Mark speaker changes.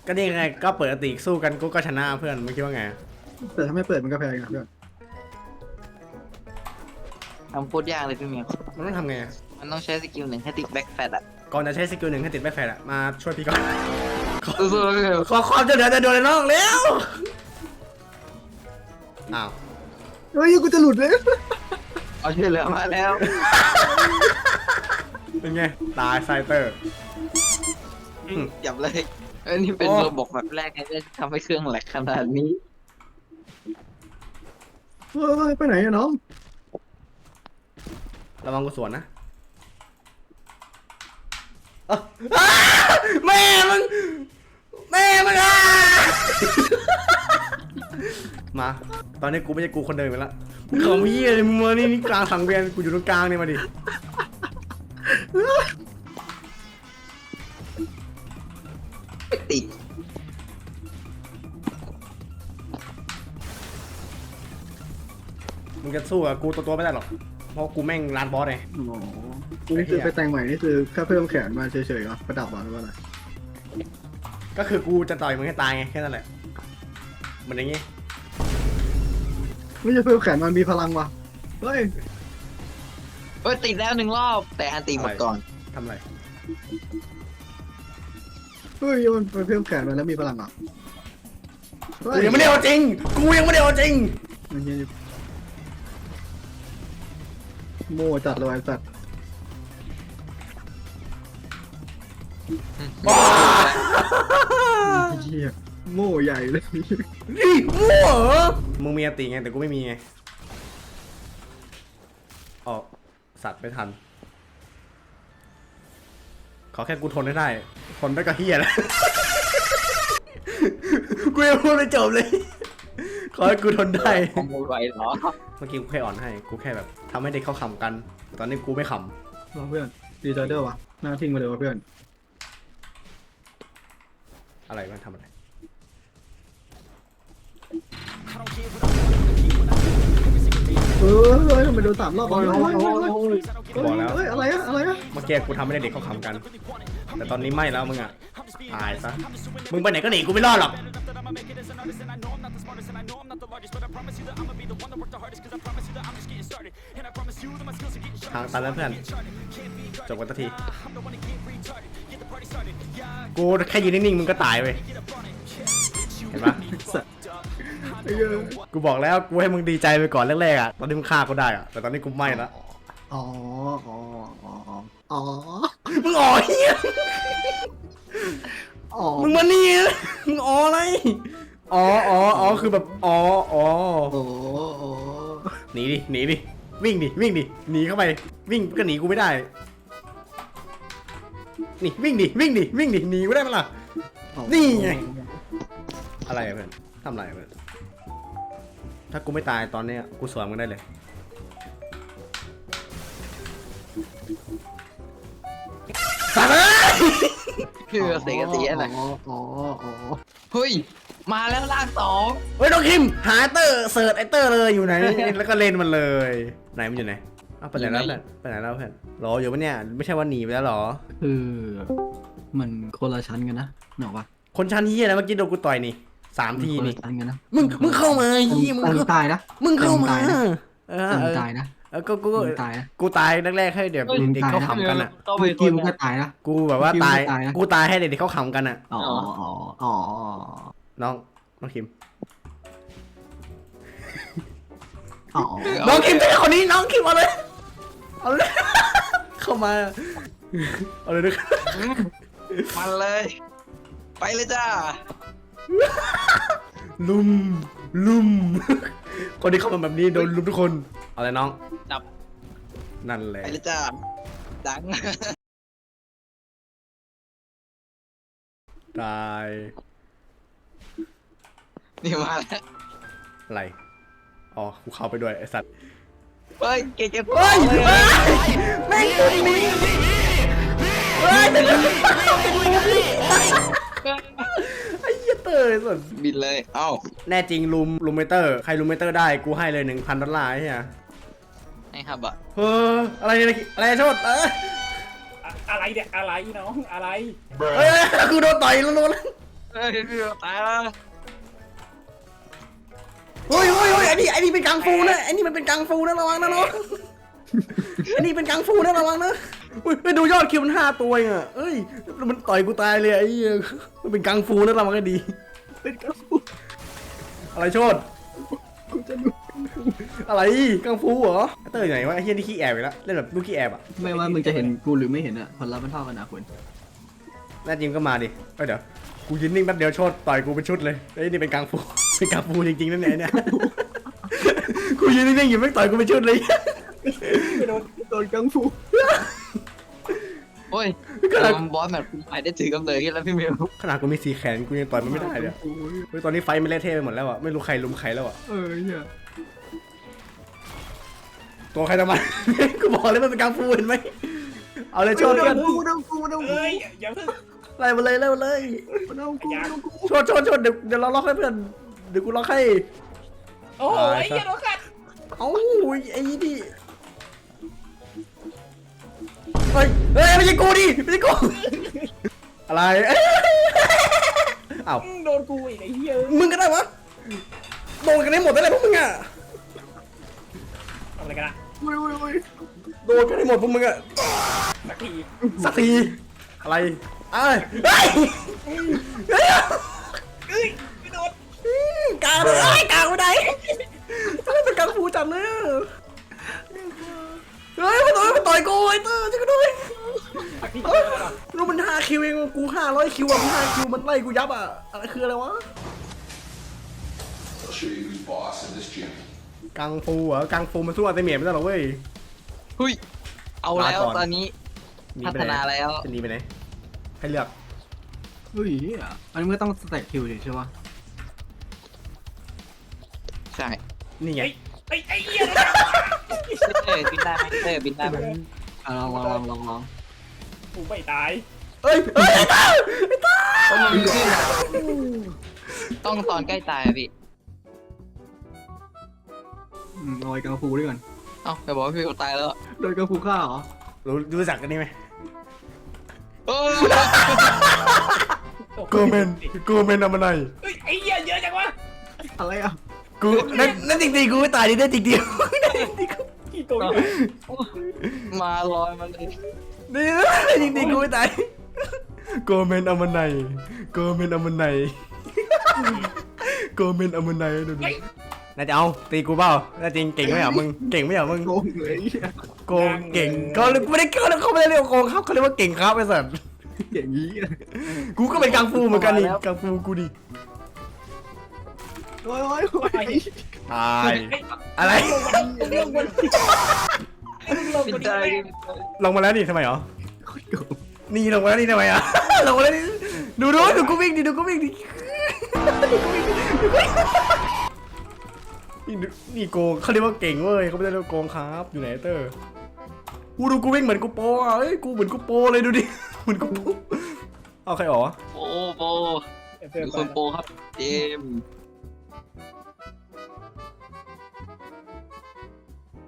Speaker 1: ก็นี่ไงก็เปิดติสู้กันกูก็ชนะเพื่อนมึงคิดว่าไง
Speaker 2: แต่ถ้าไม่เปิดมันก็แพ้กันเพื่อน
Speaker 3: ทำโคตรยากเลยพี่เมียว
Speaker 1: มันต้องทำไง
Speaker 3: มันต้องใช้สกิลหนึ่งให้ติดแบ็คแฟตอ่ะ
Speaker 1: ก่อนจะใช้สกิลหนึ่งให้ติดแบ็คแฟลอะมาช่วยพี่ก่อน
Speaker 3: สู้ๆพี่เมียว
Speaker 1: ขอความจะเหลือแต่โดนเลยน้องเร็วอ้าว
Speaker 2: เฮ้ยกูจะหลุดเลย
Speaker 3: เอาช่วยเหลือมาแล้ว
Speaker 1: เป็นไงตายไซเตอร์
Speaker 3: จับเลยนี่เป็นระบบแบบแรกที่ทำให้เครื่องแหลกขนาดนี้
Speaker 2: เฮ้ยไปไหนอะน้อง
Speaker 1: ระวังกูสวนนะอ้าวอ้าแม่มึงอ่ะ มา ตอนนี้กูไม่ใช่กูคนเดิมไปแล้วของพี่เลยมึงมานี่กลางสังเวียนกูอยู่ตรงกลางเนี่ยมาดิ
Speaker 3: ติด
Speaker 1: มึงจะสู้กับกูตัวไม่ได้หรอกเพราะกูแม่งร้านบอสไง
Speaker 2: อ๋อนี่คือไปแต่งใหม่นี่คือแค่เพิ่มแขนมาเฉยๆเหรอประดับเหรอหรือว่าอะไร
Speaker 1: ก็คือกูจะต่อยมึงให้ตายไงแค่นั้นแหละเหมือนอย่างงี้
Speaker 2: ไม่ใช่เพิ่มแขนมันมีพลังว่ะเฮ้ย
Speaker 3: ติดแล้ว1 รอบแต่อันตีหมดก่อน
Speaker 1: ทำไร
Speaker 2: เฮ้ยมันไปเพิ่มแขนมันแล้วมีพลังเหรอเฮ้
Speaker 1: กูยังไม่ได้เอาจริงกูยังไม่ได้เอาจริง
Speaker 2: มันยังโม่จัดเลยไอ้สัตว์
Speaker 1: ว้า
Speaker 2: เหี้ยโม่ใหญ่เลย
Speaker 1: นี่มั่วเหรอมึงมีอติไงแต่กูไม่มีไงออกสัตว์ไม่ทันขอแค่กูทนได้ทนได้ก็เฮียแล้ว กูยังพูดไม่จบเลย ขอให้กูทนได้
Speaker 3: คอมโบไหวเหรอ
Speaker 1: เมื่อกี้กูแค่อ่อนให้กูแค่แบบทำให้เด็กเขาขำกันแต่ตอนนี้กูไม่ข
Speaker 2: มาเพื่อนดีใจเด้อวะหน้าทิ้งมาเลยวะเพื่อน
Speaker 1: ำอะไรมันทำอะไร
Speaker 2: เฮ้ยทำไมโดน3 รอบวะเฮ้ยอะไรอะอะไรอะ
Speaker 1: เมื่อกี้กูทำให้เด็กเขาขำกัน แต่ตอนนี้ไม่แล้วมึงอ่ะตายซะมึงไปไหนก็หนีกูไม่รอดหรอกทางตันแล้วเพื่อนจบกันสักทีกูแค่ยืนนิ่งๆมึงก็ตายไปเห็นปะ
Speaker 2: สัตว์ไอ้เหี้ย
Speaker 1: กูบอกแล้วกูให้มึงดีใจไปก่อนแรกๆอ่ะตอนนี้มึงฆ่ากูได้อ่ะแต่ตอนนี้กูไม่ละ
Speaker 2: อ๋ออ๋ออ๋ออ๋อ
Speaker 1: มึงอ๋อเฮีย
Speaker 2: อ๋อ
Speaker 1: มึงมานี่นะมึงอ๋ออะไรอ๋อคือแบบอ๋อ
Speaker 2: โอ้โห
Speaker 1: หนีดิวิ่งดิหนีเข้าไปวิ่งก็หนีกูไม่ได้นี่วิ่งดิหนีกูได้มั้ยล่ะนี่ไงอะไรอะเพื่อนทำอะไรอะเพื่อนถ้ากูไม่ตายตอนเนี้ยกูสวนมึงได้เลยสัตว์เอ้ย
Speaker 3: คือเสียเสียอะไร
Speaker 2: อ๋ออ๋ออ๋อ
Speaker 3: เฮ้ยมาแล้วล่าง2
Speaker 1: เฮ้ยน้องคิมหาเตอร์เสิร์ชไอเตอร์เลยอยู่ไหน แล้วก็เล่นมันเลยไหนมันอยู่ไหนอ้าวไปไหนแล้วเพื่อนไปไหนแล้วเพื่อนรออยู่ปะเนี่ยไม่ใช่ว่าหนีไปแล้วหรอ
Speaker 2: คือมันคนละชั้นกันนะเนอะวะ
Speaker 1: คนชั้นเฮียนะเมื่อกี้โดนกูต่อยนี่3 ทีนี่
Speaker 2: ชั้นกันนะ
Speaker 1: มึงเข้ามาเฮียมึง
Speaker 2: ตายนะ
Speaker 1: มึงเข้ามาเออ
Speaker 2: ตายนะ
Speaker 1: ก็
Speaker 2: ตายนะ
Speaker 1: กูตายแรกๆให้เดี๋ยวเด็กเขาขำกันอ่ะ
Speaker 3: ก็
Speaker 2: เมื่
Speaker 3: ไป
Speaker 2: อ
Speaker 3: ค
Speaker 2: กี้
Speaker 3: น
Speaker 2: มึงก็ตายนะ
Speaker 1: กูแบบว่าตาย
Speaker 2: ตายนะ
Speaker 1: กูตายให้เด็กเขาขำกันอ่ะ
Speaker 2: อ๋ออ๋ออ๋อ
Speaker 1: น้องคิม
Speaker 2: อ๋อ
Speaker 1: น้องคิมเป็นคนนี้น้องคิมเอาเลย เข้ามาเอาเลยด้วย
Speaker 3: มันเลย ไปเลยจ้า
Speaker 1: ลุม คนที่เข้ามาแบบนี้โดนลุมทุกคนเอาเลยน้อง
Speaker 3: จับ
Speaker 1: นั่นแหละ
Speaker 3: ไปเลยจ้าดัง
Speaker 1: ตาย
Speaker 3: นี่มาแล้ว
Speaker 1: อะไรอ๋อกูเข้าไปด้วยไอสัตว์
Speaker 3: เฮ้ยเก่ง
Speaker 1: เฮ้ยแม่งตัวนี้เฮ้ยไอ้เหี้ยเตอร์สุด
Speaker 3: บินเลยเอ้า
Speaker 1: แน่จริงลุมเมเตอร์ใครลุมเมเตอร์ได้กูให้เลย$1,000ไอ้เหี้ย
Speaker 3: ให้ครับอ่ะ
Speaker 1: เฮ้ออะไรเนี่ยอะไรโทษ
Speaker 4: อะไรเนี่ยอะไรน้องอะไร
Speaker 1: เฮ้ยกูโดนต่อยแล้ว
Speaker 3: เฮ้ยตายแล้ว
Speaker 1: เฮ้ยไอ้นี่เป็นกังฟูนะไอ้นี่มันเป็นกังฟูนะระวังนะน้องไอ้นี่เป็นกังฟูนะระวังนะอุ้ยไปดูยอดคิวมัน5 ตัวเองอ่ะเอ้ยมันต่อยกูตายเลยไอ้เหี้ยมันเป็นกังฟูนะระวังให้ดี
Speaker 2: เป็นกังฟู
Speaker 1: อะไรโชด
Speaker 2: กูจะดู
Speaker 1: อะไรกังฟูเหรอเตอร์อยู่ไหนวะไอ้เหี้ยนี่ขี้แอบไปแล้วเล่นแบบลูกขี้แอบอ่ะ
Speaker 2: ไม่ว่ามึงจะเห็นกูหรือไม่เห็นอะผลลัพธ์มันเท่ากันนะคุณ
Speaker 1: แน่จริงก็มาดิเดี๋ยวกูยืนนิ่งแป๊บเดียวโชดต่อยกูเป็นชุดเลยไอ้นี่เป็นกังฟูเป็นกังฟูจริงๆนั่นแหละเนี่ยกูยืนนิ่งๆอยู่ไม่ต่อยกูเป็นชุดเลย
Speaker 2: โดนกังฟู
Speaker 3: โอ้ยบอสแบบคุณไปได้ถือกำเนิดขึ้นแล้วพี่เมล
Speaker 1: ขนาดกูมี4 แขนกูยังต่อยมันไม่ได้เลยเฮ้ยตอนนี้ไฟมันเละเทะไปหมดแล้วอ่ะไม่รู้ใครลุมใครแล้วอ่ะ
Speaker 2: เนี่ย
Speaker 1: ตัวใครทำไม กูบอกเลยมันเป็นกังฟูเห็นไหมเอาเลยโชดกัน
Speaker 2: กูโดนกูโดนกู
Speaker 4: เอ้ยอย่าเพิ่ง
Speaker 1: ไล่มาเลยไล่มาเลย
Speaker 2: โดนกูโดนกู
Speaker 1: โชดเดี๋ยวเราล็อกให้เพื่อนเดี๋ยวกูล็อกให้
Speaker 4: โอ้โหไอ้เหี้ยโดนกัด
Speaker 1: เอ้าไอ้นี่เฮ้ยไม่ใช่กูดิไม่ใช่กูอะไรเอ้า
Speaker 4: โดนกูอีกไอ้เหี้ย
Speaker 1: มึงก็ได้วะโดนกันได้หมดได้เลยพวกมึงอ่ะ
Speaker 4: ทำอะไรกันอะ
Speaker 2: อุ้ย
Speaker 1: โดนกันได้หมดพวกมึงอ่ะ
Speaker 4: สักที
Speaker 1: สักทีอะไรเอ้ยเฮ้ย
Speaker 4: เอ้ยไม่โดน
Speaker 1: กลางเลยกลางไปไหนเป็นกังฟูจัดเลยเฮ้ยมันต่อยกูไอ้เตอร์ช่วยกูด้วย
Speaker 4: สักทีเดียวเหรอ
Speaker 1: รู้มัน5 คิวเองกู500 คิวอ่ะมัน5 คิวมันไล่กูยับอ่ะอะไรคืออะไรวะ
Speaker 5: I'll show you who's boss in this gym.
Speaker 1: กังฟูเหรอกังฟูมันสู้อัลเตเมียไม่ได้หรอเว้ย
Speaker 3: หุยเอาแล้วตอนนี้
Speaker 1: ห
Speaker 3: พั
Speaker 1: ไป
Speaker 3: ฒ
Speaker 1: ไห
Speaker 3: นาแล้ว
Speaker 1: จะหนีไปไหนให้เลือก
Speaker 2: เฮ้ยอันนี้มันต้องสแต็กคิวดิใช่ปะ
Speaker 3: ใช่
Speaker 1: นี่ไง
Speaker 4: เฮ้ยไอ้เหี้ย
Speaker 3: บินได้ไหมบินได้ไหม
Speaker 2: ลอง
Speaker 4: กูไม่ตาย
Speaker 1: เอ้ยไอ้เตอร์
Speaker 3: เพราะมันขึ้นอะต้องตอนใกล้ตายอะพี่
Speaker 2: เอาไอ้กังฟูด้วยกัน
Speaker 3: เอ้าแต่บอกว่าพี่ตายแล้ว
Speaker 2: โดนกังฟูฆ่าเหรอ
Speaker 1: รู้จักกันนี่ไหม
Speaker 3: โอ้
Speaker 1: โกเมนเอามาหน่อย
Speaker 4: เฮ้ยไอ้เหี้ยเยอะจังวะ
Speaker 2: อะไรอ่ะ
Speaker 1: กูนั่นจริงๆกูไม่ตายดิได้จริงเดียว
Speaker 4: ขี้โกง
Speaker 3: มาลอยมาเลย
Speaker 1: นี่จริงๆกูไม่ตายโกเมนเอามาหน่อยโกเมนเอามาหน่อยโกเมนเอามาหน่อยดูดิน่าจะเอาตีกูเปล่าน่าจริงเก่งไหมอ่ะมึงเก่งไหมอ่ะมึง
Speaker 2: โกงเลย
Speaker 1: โกงเก่งเขาไม่ได้เขาไม่ได้เรียกว่าโกงครับเขาเรียกว่าเก่งครับไอ้สัส
Speaker 2: อย่างนี้
Speaker 1: กูก็เป็นกังฟูเหมือนกันนี่กังฟูกูดิ
Speaker 2: โอ้ย
Speaker 1: ตายอะไร
Speaker 4: เรื่องบน
Speaker 3: บินได้
Speaker 1: ลงมาแล้วนี่ทำไมเหรอนี่ลงมาแล้วนี่ทำไมอ่ะ ลงมาแล้วนี่ดูกูวิ่งดิดูกูวิ่งดินี่โกงเขาเรียกว่าเก่งเว้ยเขาไม่ได้เรียกว่าโกงครับอยู่ไหนเตอร์กูดูกูวิ่งเหมือนกูโปอ่ะเอ้ยกูเหมือนกูโปเลยดูดิเหมือนกูโปเอาใครอ๋อ
Speaker 3: โปมีคนโปครับเจม